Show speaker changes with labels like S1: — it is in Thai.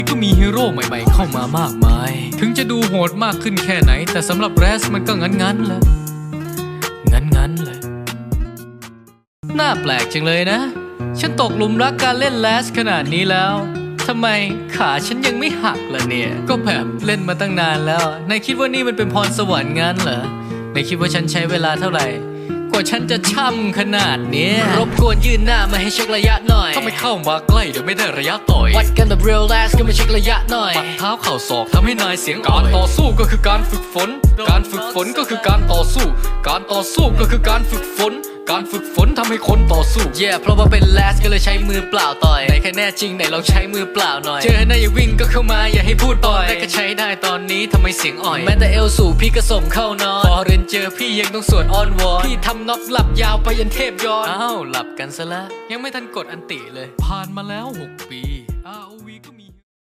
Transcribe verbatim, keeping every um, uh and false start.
S1: ก็มีฮีโร่ใหม่ๆเข้ามามากมายถึงจะดูโหดมากขึ้นแค่ไหนแต่สำหรับแรสมันก็งั้นๆแหละงั้นๆเลยน่าแปลกจังเลยนะฉันตกหลุมรักการเล่นแรสขนาดนี้แล้วทำไมขาฉันยังไม่หักล่ะเนี่ยก็แบบเล่นมาตั้งนานแล้วนายคิดว่านี่มันเป็นพรสวรรค์งั้นเหรอนายคิดว่าฉันใช้เวลาเท่าไหร่กว่าฉันจะช่ำขนาดเนี้ยรบกวนยืนหน้ามาให้เช็คระยะหน่อยถ้าไม่เข้ามาใกล้เดี๋ยวไม่ได้ระยะต่อยวัดกันแบบ real last ก็มาเช็คระยะหน่อยปัดเท้าเข่าศอกทำให้นายเสียงการต่อสู้ก็คือการฝึกฝนการฝึกฝนก็คือการต่อสู้การต่อสู้ก็คือการฝึกฝนการฝึกฝนทำให้คนต่อสู้ yeah เพราะว่าเป็น last ก็เลยใช้มือเปล่าต่อยไหนแค่แน่จริงไหนลองใช้มือเปล่าหน่อยเจอหน้าอย่าวิ่งก็เข้ามาอย่าให้พูดต่อยแต่ก็ใช้ได้ตอนนี้ทำไมเสียงอ่อยแม้แต่เอลสูพี่ก็ส่งเข้านอนพอเรียนเจอพี่ยังต้องสวดอ้อนวอนพี่ทำน็อกหลับยาวไปยันเทพย้อนอ้าวหลับกันซะละยังไม่ทันกดอันติเลยผ่านมาแล้วหกปี อาร์ โอ วี ก็มี